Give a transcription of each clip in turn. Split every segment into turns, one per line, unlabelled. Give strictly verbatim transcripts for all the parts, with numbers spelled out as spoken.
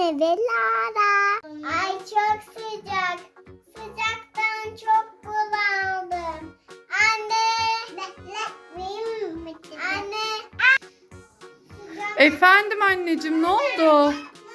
anne ve Lara. Ay çok sıcak. Sıcaktan çok bunaldım. Anne. Anne.
Efendim anneciğim, ne oldu?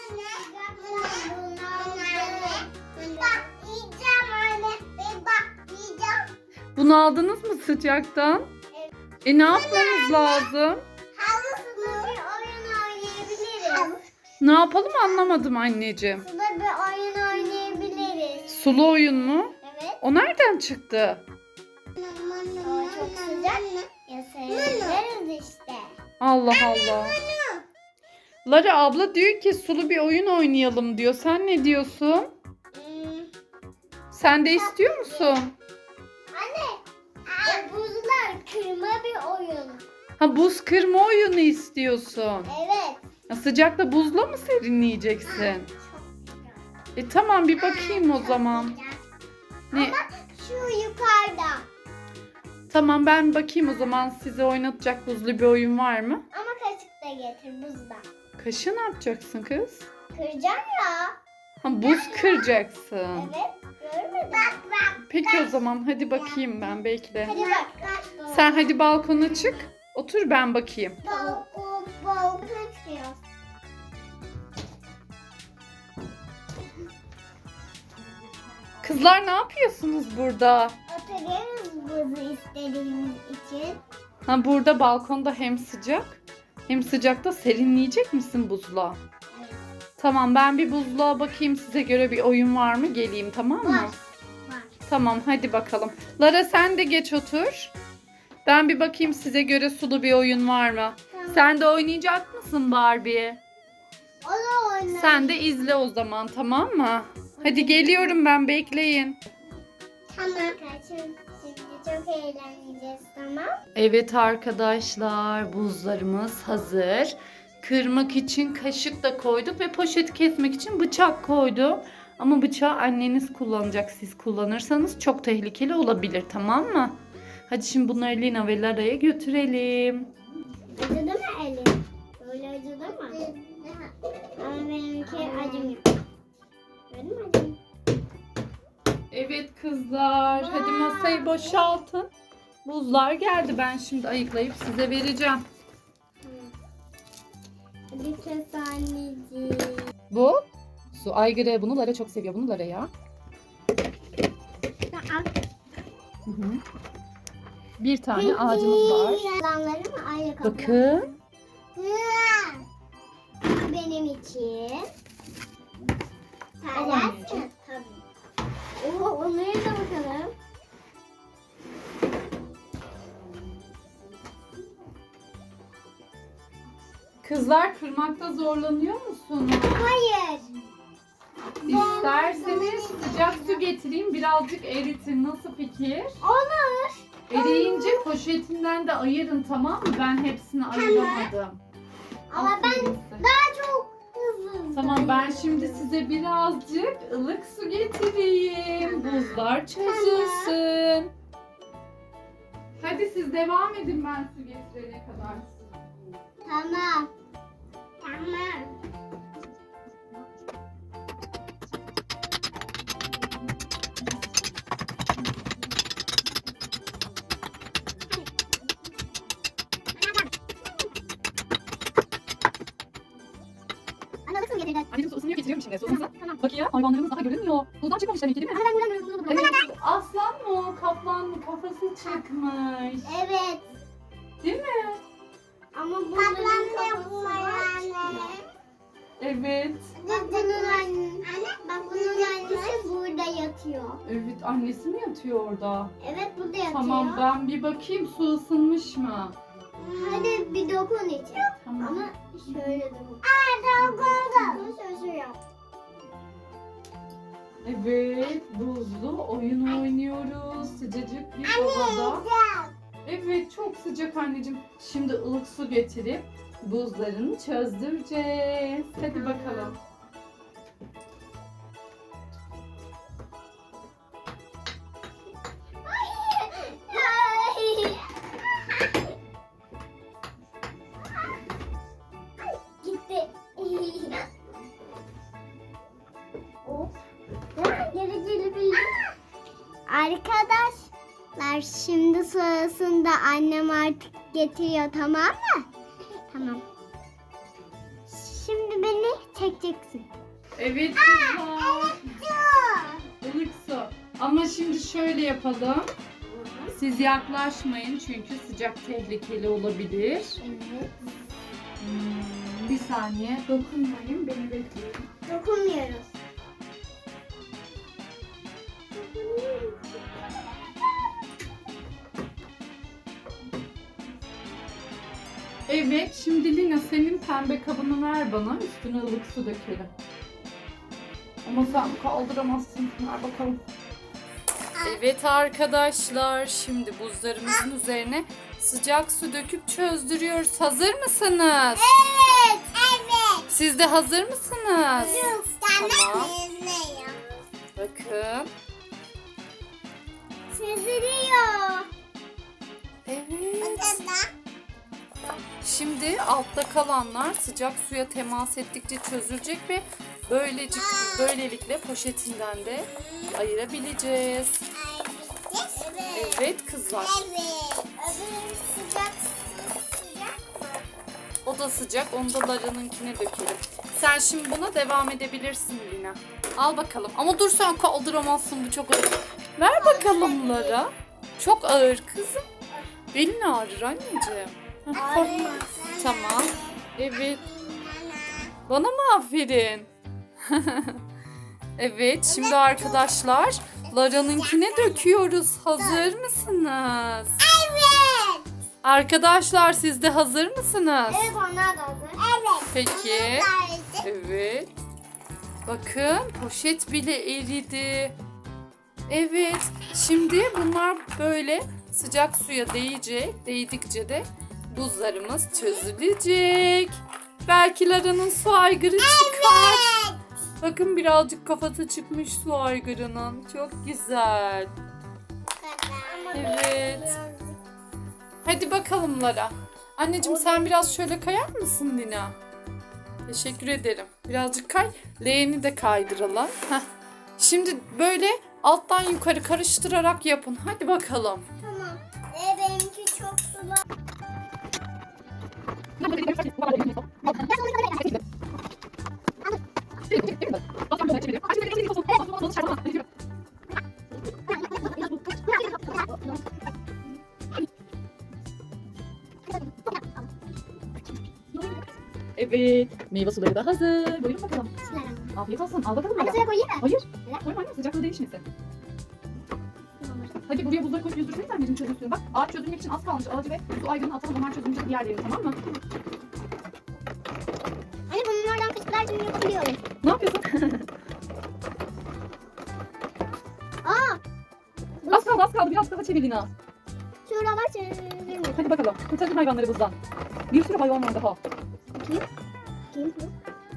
Bunu aldınız mı sıcaktan?
Evet.
E ne yapmamız lazım?
Havuzda bir oyun oynayabiliriz.
Ne yapalım anlamadım anneciğim.
Suda bir oyun oynayabiliriz.
Sulu oyun mu?
Evet.
O nereden çıktı?
O çok sıcak. Ya seyrederiz işte.
Allah Allah. Lara abla diyor ki sulu bir oyun oynayalım diyor. Sen ne diyorsun?
Hmm.
Sen de istiyor musun?
Anne. O buzlar kırma bir oyun.
Ha, buz kırma oyunu istiyorsun.
Evet.
Ya sıcakta buzla mı serinleyeceksin? E tamam, bir bakayım o zaman. Ne?
Ama şu yukarıda.
Tamam, ben bakayım o zaman, size oynatacak buzlu bir oyun var mı?
Ama kaşık da getir buzda.
Kaşı ne yapacaksın kız?
Kıracağım ya.
Ha, buz kıracaksın.
Evet. Görmedin Bak bak.
Peki o zaman hadi bakayım ben, belki de.
Hadi bak. bak.
Sen hadi balkona çık. Otur, ben bakayım.
Balkon, balkon çıkıyor.
Kızlar, ne yapıyorsunuz burada?
Oturuyoruz buzu istediğimiz için.
Ha, burada balkonda hem sıcak hem sıcakta serinleyecek misin buzluğa?
Evet.
Tamam, ben bir buzluğa bakayım, size göre bir oyun var mı, geleyim, tamam mı?
Var. Var.
Tamam, hadi bakalım. Lara, sen de geç otur. Ben bir bakayım size göre sulu bir oyun var mı?
Tamam.
Sen de oynayacak mısın Barbie?
O da oynar.
Sen de izle o zaman, tamam mı? Hadi geliyorum ben, bekleyin.
Tamam. Şimdi çok eğleneceğiz, tamam.
Evet arkadaşlar, buzlarımız hazır. Kırmak için kaşık da koyduk ve poşeti kesmek için bıçak koydum. Ama bıçağı anneniz kullanacak. Siz kullanırsanız çok tehlikeli olabilir, tamam mı? Hadi şimdi bunları Lina ve Lara'ya götürelim.
Acıdı mı elin? Böyle acıdı mı? Ama benimki acımıyor. Gördün mü acımıyor?
Evet kızlar, hadi masayı boşaltın. Buzlar geldi, ben şimdi ayıklayıp size vereceğim.
Hadi kes anneciğim.
Bu su aygırı, bunu Lara çok seviyor, bunu Lara ya. Hı hı. Bir tane ağacımız var.
Yalanları mı ayrı kapı?
Bakın.
Benim için.
Al anneciğim.
Tabii. Oo, onlara da bakalım.
Kızlar, kırmakta zorlanıyor musunuz?
Hayır.
İsterseniz sıcak su getireyim, birazcık eritin. Nasıl fikir?
Olur.
Eriyince poşetinden de ayırın, tamam mı? Ben hepsini ayıramadım.
Ama ben
Aferin size.
daha çok hızlı.
Tamam, ben şimdi size birazcık ılık su getireyim. Buzlar çözülsün. Hadi siz devam edin, ben su getirene kadar.
Tamam. Tamam. Anne nasıl getirdin?
Anneciğim su ısınıyor, getiriyorum şimdi. Su ısınsın. Bak ya, hayvanlarımız daha görünmüyor. Buzdan çıkmamış demek ki, değil mi?
Hemen buradan buradan buradan.
Evet. Aslan mı o? Kaplan mı? Kafası çıkmış.
Evet.
Değil mi?
Ama bunların kafası var.
Evet.
Bak bunun anne. Bak bunun annesi burada yatıyor.
Evet, annesi mi yatıyor orada?
Evet burada yatıyor.
Tamam, ben bir bakayım su ısınmış mı?
Hadi bir dokun içe.
Tamam.
Ama şöyle dokun. Aa dokundu. Şöyle şöyle yap.
Evet, buzlu oyun oynuyoruz. Sıcacık bir havada. Evet, çok sıcak anneciğim. Şimdi ılık su getirip buzlarını çözdüreceğiz. Hadi bakalım.
Gitti. Arkadaşlar şimdi sırasında annem artık getiriyor, tamam mı? Tamam. Şimdi beni çekeceksin.
Evet kızlar. Ilık su. Ama şimdi şöyle yapalım. Siz yaklaşmayın çünkü sıcak tehlikeli olabilir.
Evet.
Hmm, bir saniye. Dokunmayın, beni bekleyin.
Dokunmuyoruz.
Evet, şimdi Lina senin pembe kabını ver bana. Üstüne ılık su dökelim. Ama sen kaldıramazsın. Ver bakalım. Evet arkadaşlar, şimdi buzlarımızın üzerine sıcak su döküp çözdürüyoruz. Hazır mısınız?
Evet, evet.
Siz de hazır mısınız? Tamam.
Ne ya?
Bakın.
Çözülüyor.
Evet. Şimdi altta kalanlar sıcak suya temas ettikçe çözülecek ve böylece böylelikle poşetinden de ayırabileceğiz. Evet kızlar.
Evet. Öbür sıcak sıcak mı?
O da sıcak. Onu da Lara'nınkine dökelim. Sen şimdi buna devam edebilirsin Lina. Al bakalım. Ama dur sen kaldıramazsın, bu çok ağır. Ver bakalım Lara. Çok ağır kızım. Belin ağrır anneciğim. Heh, korkma. Tamam. Evet. Bana mı aferin? Evet, şimdi arkadaşlar Lara'nınkine döküyoruz. Hazır mısınız?
Evet.
Arkadaşlar siz de hazır mısınız?
Evet, onlar da hazır. Evet.
Peki. Evet. Bakın poşet bile eridi. Evet. Şimdi bunlar böyle sıcak suya değecek. Değdikçe de buzlarımız çözülecek. Belki Lara'nın su aygırı çıkar. Bakın birazcık kafası çıkmış su aygırının. Çok güzel. Evet. Hadi bakalım Lara. Anneciğim sen biraz şöyle kayar mısın Lina? Teşekkür ederim. Birazcık kay. Leğeni de kaydıralım. Heh. Şimdi böyle alttan yukarı karıştırarak yapın. Hadi bakalım.
Tamam. E, benimki çok sulu.
Evet. Meyve suları da hazır. Buyurun bakalım. Afiyet olsun. Al bakalım.
Hadi suya koyayım mı?
Hayır. Koyma anne, sıcaklığı değişmesin. Hadi buraya buzları koyup yüzdürseniz anneciğim çözülsün. Bak ağaç çözülmek için az kalmış. Ağacı ve su aygırını atalım. Onlar çözülünce diğer yerine, tamam mı?
Hani bunlardan fıçıklar için yapabiliyorum.
Ne yapıyorsun?
Aa!
Az kaldı az kaldı. Biraz daha çevir Lina.
Şuralar çözülmüş.
Hadi bakalım. Kurtarın hayvanları buzdan. Bir sürü hayvan var daha.
Kim? Kim bu?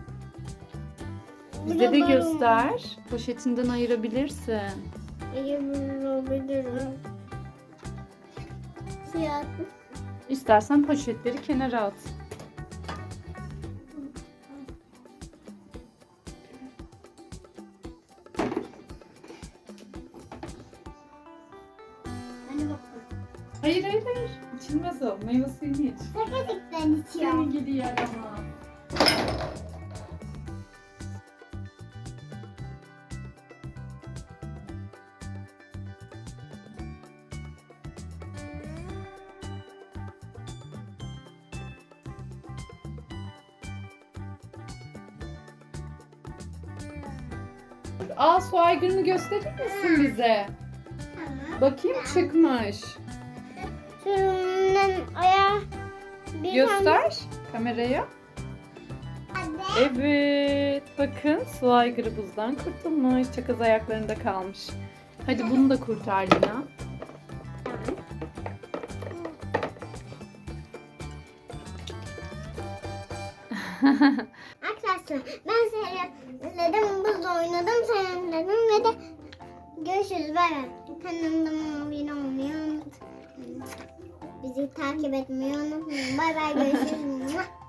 Bize de göster. Poşetinden ayırabilirsin.
Ayırabilirim. Siyah.
İstersen poşetleri kenara at.
Hani bakalım.
Hayır hayır hayır. İçilmez o. Meyve suyunu iç.
Paketlikten içiyorum.
Seni gidi yer ama. Aa, su aygırını gösterir misin bize?
Tamam.
Bakayım, çıkmış.
Şunun ayağı bir
Göster kameraya.
tane.
Evet, bakın su aygırı buzdan kurtulmuş. Çakız ayaklarında kalmış. Hadi bunu da kurtar Lina.
Arkadaşlar ben seyretledim, buzla oynadım, seyretledim ve de görüşürüz. Bay bay. Kanalıma abone olmayı unutmayın. Bizi takip etmeyi unutmayın. Bay bay, görüşürüz.